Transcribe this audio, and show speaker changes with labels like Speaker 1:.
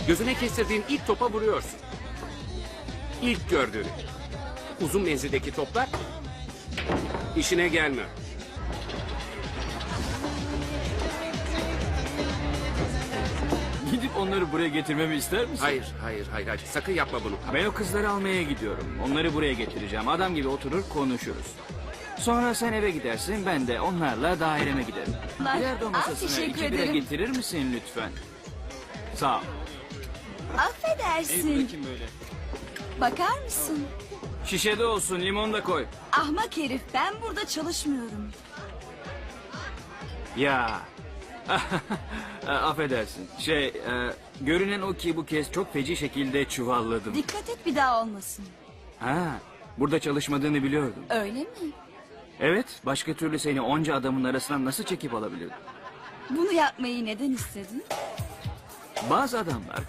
Speaker 1: Gözüne kestirdiğin ilk topa vuruyorsun. İlk gördüğünü. Uzun menzildeki toplar işine gelmiyor.
Speaker 2: Gidip onları buraya getirmemi ister misin?
Speaker 1: Hayır, hayır. Sakın yapma bunu.
Speaker 2: Ben o kızları almaya gidiyorum. Onları buraya getireceğim. Adam gibi oturur konuşuruz. Sonra sen eve gidersin, ben de onlarla daireme giderim. Bilardo masasına
Speaker 3: teşekkür
Speaker 2: 2 bira
Speaker 3: ederim.
Speaker 2: getirir misin lütfen? Sağ ol.
Speaker 3: Affedersin.
Speaker 2: Bakayım böyle.
Speaker 3: Bakar mısın?
Speaker 2: Şişede olsun, limon da koy.
Speaker 3: Ahmak herif, ben burada çalışmıyorum.
Speaker 2: Ya. Affedersin. Görünen o ki bu kez çok feci şekilde çuvalladım.
Speaker 3: Dikkat et bir daha olmasın.
Speaker 2: Ha, burada çalışmadığını biliyordum.
Speaker 3: Öyle mi?
Speaker 2: Evet, başka türlü seni onca adamın arasından nasıl çekip alabilirdim?
Speaker 3: Bunu yapmayı neden istedin?
Speaker 2: Bazı adamlar